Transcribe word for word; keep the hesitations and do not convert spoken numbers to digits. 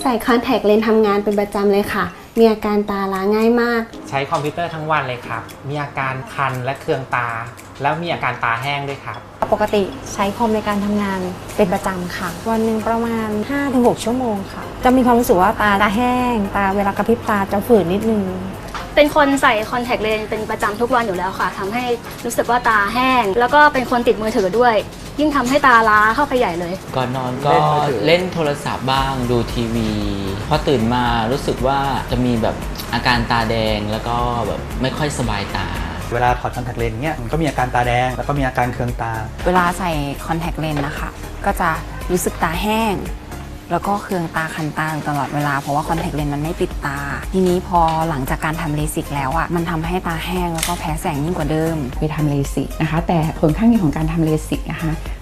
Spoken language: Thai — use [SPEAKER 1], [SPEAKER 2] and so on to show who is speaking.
[SPEAKER 1] ใส่คอนแทคเลนส์ทำงานเป็นประจำเลยค่ะมีอาการตาล้าง่ายมาก
[SPEAKER 2] ใช้คอมพิวเตอร์ทั้งวันเลยครับมีอาการคันและเคืองตาแล้วมีอาการตาแห้งด้วยครับ
[SPEAKER 3] ปกติใช้คอมในการทำงานเป็นประจำค่ะวันหนึ่งประมาณ ห้าถึงหก ชั่วโมงค่ะจะมีความรู้สึกว่าตาตาแห้งตาเวลากระพริบตาจะฝืนนิดนึง
[SPEAKER 4] เป็นคนใส่คอนแทคเลนส์เป็นประจำทุกวันอยู่แล้วค่ะทำให้รู้สึกว่าตาแห้งแล้วก็เป็นคนติดมือถือด้วยยิ่งทำให้ตาล้าเข้าไปใหญ่เลย
[SPEAKER 5] ก่อนนอนก็เล่นโทรศัพท์บ้างดูทีวีพอตื่นมารู้สึกว่าจะมีแบบอาการตาแดงแล้วก็แบบไม่ค่อยสบายตา
[SPEAKER 6] เวลาถอดคอนแทคเลนส์เนี้ยมันก็มีอาการตาแดงแล้วก็มีอาการเคืองตา
[SPEAKER 7] เวลาใส่คอนแทคเลนส์นะคะก็จะรู้สึกตาแห้งแล้วก็เคืองตาคันตาตลอดเวลาเพราะว่าคอนแทคเลนส์มันไม่ปิดตาทีนี้พอหลังจากการทำเลสิกแล้วอ่ะมันทำให้ตาแห้งแล้วก็แพ้แสงยิ่งกว่าเดิม
[SPEAKER 8] ไปทำเลสิกนะคะแต่ผลข้างเคียงของการทำเลสิกนะคะ